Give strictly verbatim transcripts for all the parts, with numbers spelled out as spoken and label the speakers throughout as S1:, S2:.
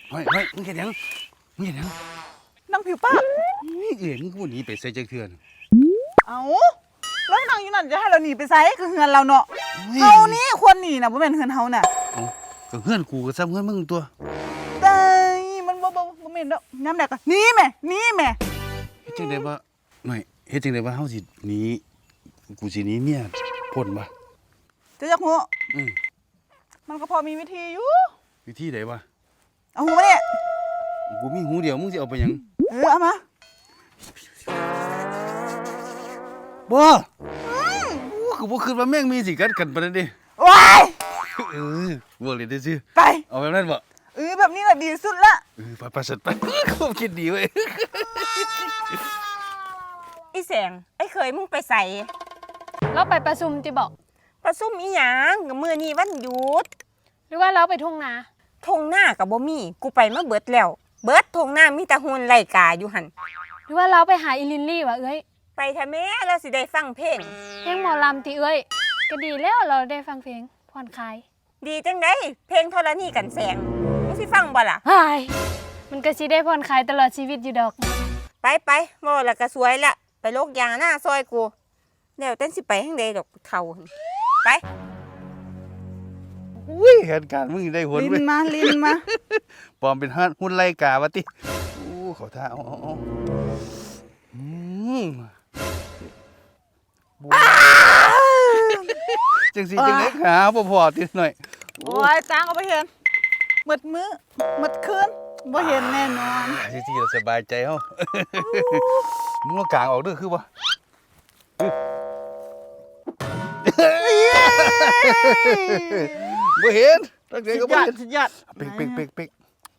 S1: เฮ้ยเฮ้ยมึงเห็นยังมึงเห็นยัง
S2: นั่งผิวป้า
S1: เอ๋มึงกูหนีไปใส่จักเทือน
S2: เอาแล้วนั่งอยู่นั่นจะให้เราหนีไปไซคือเฮือนเราเนาะเฮานี่ควรหนีนะบ่แม่นเฮือนเฮาน่ะ
S1: เอ้าก็เพื่อนกูก็ซ้ำเพื่อนมึงตัว
S2: แต่มันบ่บ่บ่แม่นดอกยามใดก็หนีแม่หนีแม่
S1: เฮ็ดจังได๋ว่าหน่อยเฮ็ดจังได๋ว่าเฮาสิหนีกูสิหนีเมียพ้นบ่
S2: จะจักหัว
S1: อือ
S2: มันก็พอมีวิธีอยู่
S1: วิธีใดวะ
S2: เอาหัวมาเนี่ย
S1: กูมีหูเดียวมึงสิเอาไปหยัง
S2: เออเอามา
S1: บ่กูก็บ่คิดว่าแม่งมีสิกัดกันปานนั้นเด้
S2: ว้าย
S1: เออบ่เลยได้ซื่อ
S2: ไป
S1: เอาแบบนั้นบ่
S2: เออแบบนี้แหละดีสุดละ
S1: เออไปๆสัตว์ไปความคิดดีเว้ย
S3: อีแสงไอ้เคยมึงไปใส่
S4: เราไปประชุมจิบอก
S3: ประซุ่มอีหยังกับมื้อนี้วันหยุด
S4: หรือว่าเราไปทุ่งนา
S3: ทงหน้ากับบ่มีกูไปมาเบิดแล้ว เบิดทงหน้ามีแต่หุ่นไล่กาอยู่หั่น
S4: หรือว่าเราไปหาอีลินลี่วะเอ้ย
S3: ไปทะแม่แล้วสิได้ฟังเพลง
S4: เพลงหมอลำที่เอ้ยก็ดีแล้วเราได้ฟังเพลงผ่อนคลาย
S3: ดีจังได๋เพลงธรณีกันแสงมึงสิฟังบ่ล่ะ
S4: เฮ้ยมันก็สิได้ผ่อนคลายตลอดชีวิตอยู่ดอก
S3: ไปไปๆบ่แล้วก็สวยละไปโลกยางหน้าซอยกูแล้วเต้นสิไปทางใดดอกเฒ่าหั่นไป
S1: อุ้ยเหตุการณ์มึงได้ผล
S2: ลิน
S1: เว้ย
S2: มาลินมา
S1: ปลอมเป็นฮะหุ่นไล่กาวะติอู้เขาท่าเอาเอาเอาอืมจังสิจังได๋ขาบ่พอติหน่อย
S2: โอ้ยตางก็บ่เห็นหมดมื้อหมดคืนบ่เห็นแน่นอน
S1: สิสิสบายใจเฮามึงเอากลางออกเด้อคือบ่บ่เห็นตั้งใจ
S2: สุ
S1: ก็
S2: ด
S1: บ่
S2: ยอด
S1: เห็น
S2: สุดยอด
S1: เป๊กเป๊กเป๊กเป๊ก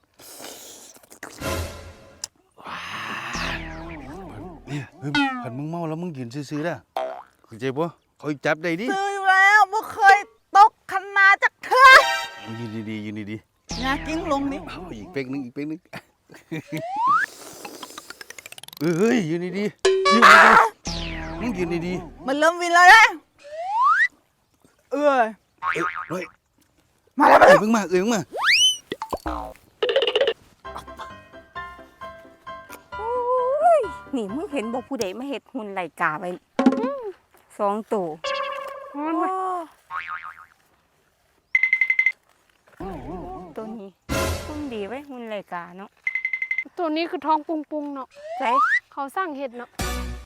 S1: เนี่ยเฮ้ยคันมึงเมาแล้วมึงยืนซื่อๆเด้อเข้าใจบ่เขาจับได้ดิ
S2: ซื้ออยู่แล้วบ่เคยตกคันนาจักเทื่อ
S1: ยืนดีๆยืนดี
S2: อย่ากิ้งลงนี่
S1: ๆเอาอีกเป๊กนึงอีกเป๊กนึงเฮ้ยยืนดีๆยืนดีๆมึงยืนดี
S2: มันเริ่มวินแล้วนะเอ้ย
S1: ๆเอ้ยเฮ้ย
S2: มาแล้วมา
S1: เอ้
S2: แล้
S1: ยว มึงมาเอ้ยมึงมา
S3: โอ้ยนี่มึงเห็นบ่ผู้ใดมาเฮ็ดหุ่นไล่กาไว้อื้อสองตัวโอ้ตัวนี้หุ่นดีไว้หุ่นไล่กาเนาะ
S4: ตัวนี้คือท้องปุงปุงๆเนาะ
S3: ใช่
S4: เขาสร้างเห็ดเนาะ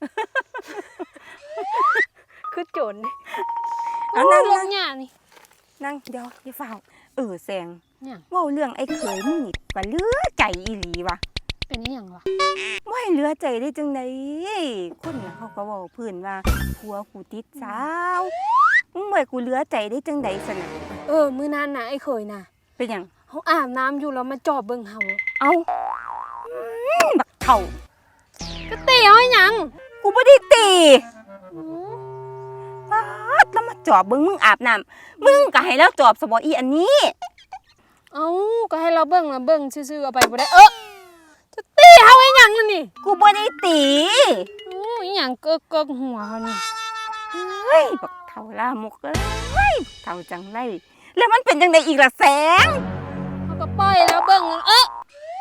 S4: คือโจรนี่
S3: เอา
S4: โอ้
S3: นั่
S4: ย
S3: ง
S4: ล
S3: นั่
S4: ง
S3: ง
S4: หญ้านี่
S3: นั่งเดี๋ยวอย่าเฝ้าเออแซง
S4: เนี่ย
S3: เว้าเรื่องไอ้เขยมึงนี่ว่าเหลือใจอีหลีวะ
S4: เป็นอีหยังวะ
S3: บ่ให้เหลือใจได้จังไดคนน่ะเขาก็เว้าเพิ่นว่าผัวกูติดสาวมึงบ่ให้กูเหลือใจได้จังไดซั่นน่ะ
S4: เออมื้อนั้นน่ะไอ้เคยน่ะ
S3: เป็นหยัง
S4: เขาอาบน้ำอยู่แล้วมาจอบเบิ่งเฮา
S3: เอ้าอืมบักเฒ่า
S4: ก็ตีเอาให้หยัง
S3: กูบ่ได้ตี
S4: อือ
S3: ป๊าดแล้วมาจอบเบิ่งมึงอาบน้ำมึงก็ให้แล้วจอบซะบ่อีอันนี้
S4: เอ้าก็ให้เราเบิ่งนะเบิ่งซื่อๆเอาไปบ่ได้เออจะตีเฮาให้หยังนั่นนี่
S3: กูบ่ได้ตี
S4: โอ้ยอีหยังเกิกเกิกหัวเขานี่
S3: เฮ้ยบักเฒ่าลามกเอ้ยบักเฒ่าจังไรแล้วมันเป็นจังไดอีกล่ะแสง
S4: เขาก็ปล่อยแล้วเบิ่งเออ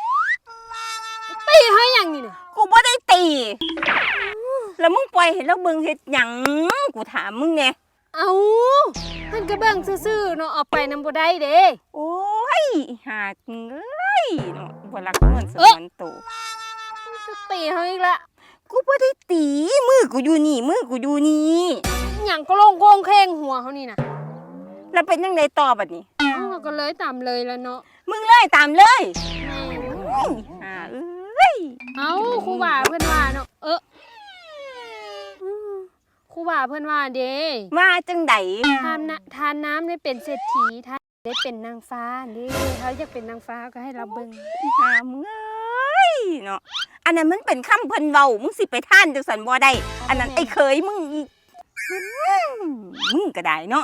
S4: ตีให้หยังนี่น่ะ
S3: กูบ่ได้ตี แล้วมึงปล่อยให้แล้วเบิ่งเฮ็ดหยังกูถามมึงแน่
S4: เอ้ามันก็เบิ่งซื่อๆเนาะเอาไปนำบ่ได้เด้
S3: โอ้ยหาเงยเนาะบ่รักเงินสมวนโต
S4: จะตีเฮาอีกละ
S3: กูบ่ได้ตีมือกูอยู่นี่มือกูอยู่นี่
S4: อีหยังก็ลงโคงเคงหัวเขานี่น่ะ
S3: แล้วเป็นจังไดต่อบัดนี้
S4: เอ้าเราก็เลยตามเลยแล้วเนาะ
S3: มึงเลยตามเลย
S4: แม่ง
S3: เฮ้ยหาเอ้ย
S4: เอ้าครูบาเพิ่นว่าเนาะเอออืมครูบาเพิ่นว่าเด้
S3: มาจังได
S4: ทานนะทานน้ำได้เป็นเศรษฐีทานได้เป็นนางฟ้าเด้เขาอยากเป็นนางฟ้าก็ให้เราเบิ่ง
S3: หามึงเอ้ยเนาะอันนั้นมันเป็นคำเพิ่นเว้ามึงสิไปท่านจังสันบ่ได้อันนั้นไอ้เคยมึงอีอืมมึงก็ได้เนาะ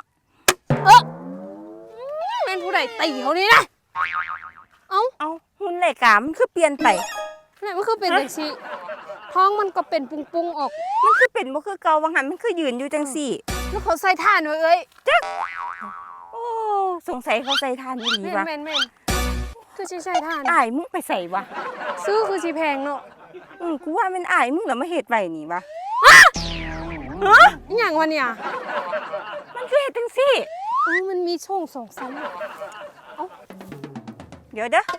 S4: แม่นผู้ใดตีเขานี่นะเอ้า
S3: เอาหุ่นรายการมันคือเปลี่ยนไป
S4: นี่มันคือเป็นจังซี่ท้องมันก็เป็นปุงๆออก
S3: มันคือเป็นบ่คือเก่าว่าหันมันคือยืนอยู่จังซี่
S4: แล้วเขาใส่ท่านไว้เอ้ย
S3: โอ้สงสัยเขาใส่ทานอีหลี
S4: แม่น
S3: ว่ะ
S4: แม่นแม่นคือสิใช้ทาน
S3: อ้ายมึงไปใส่วะ
S4: ซื้อคือสิแพงเนาะ
S3: อือกูว่ามันอ้ายมึงแล้วมาเฮ็ดไว้นี่วะ
S4: อีหยังวะเนี่ย
S3: มันคือเฮ็ดจังซี่
S4: เออมันมีช่องสองชั้น
S3: เดี๋ยวเด้อ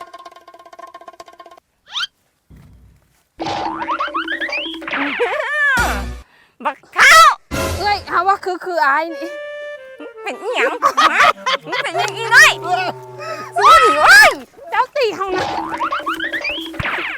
S3: บักข้าว
S4: เอ้ยหาว่าคือคืออายนี่
S3: เป็นอีหยังฮะมึงเป็นยังอีน้อยสู้ดิเว้ย
S4: เจ้าตีเขานะ